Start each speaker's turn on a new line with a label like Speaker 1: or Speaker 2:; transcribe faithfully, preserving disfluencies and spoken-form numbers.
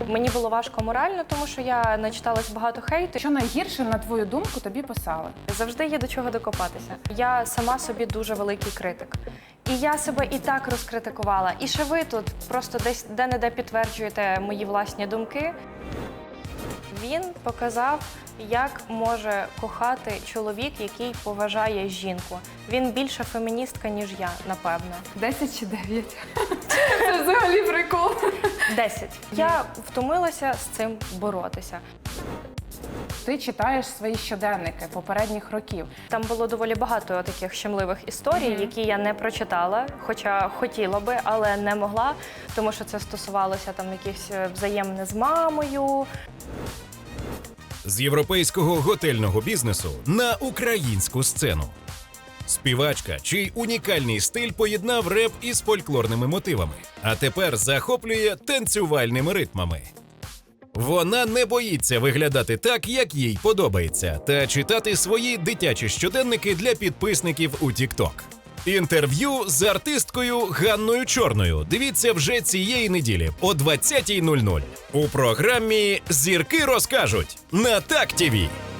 Speaker 1: Мені було важко морально, тому що я начиталась багато хейту.
Speaker 2: Що найгірше, на твою думку, тобі писали?
Speaker 1: Завжди є до чого докопатися. Я сама собі дуже великий критик. І я себе і так розкритикувала. І ще ви тут просто десь де-не-де підтверджуєте мої власні думки. Він показав, як може кохати чоловік, який поважає жінку. Він більше феміністка, ніж я, напевно.
Speaker 2: Десять чи дев'ять? Це взагалі прикол.
Speaker 1: Десять. Я втомилася з цим боротися.
Speaker 2: Ти читаєш свої щоденники попередніх років.
Speaker 1: Там було доволі багато таких щемливих історій, mm-hmm. які я не прочитала, хоча хотіла би, але не могла, тому що це стосувалося там якихось взаємин з мамою.
Speaker 3: З європейського готельного бізнесу на українську сцену. Співачка, чий унікальний стиль поєднав реп із фольклорними мотивами, а тепер захоплює танцювальними ритмами. Вона не боїться виглядати так, як їй подобається, та читати свої дитячі щоденники для підписників у TikTok. Інтерв'ю з артисткою Ганною Чорною дивіться вже цієї неділі о двадцятій нуль нуль у програмі «Зірки розкажуть» на Так ТІВІ.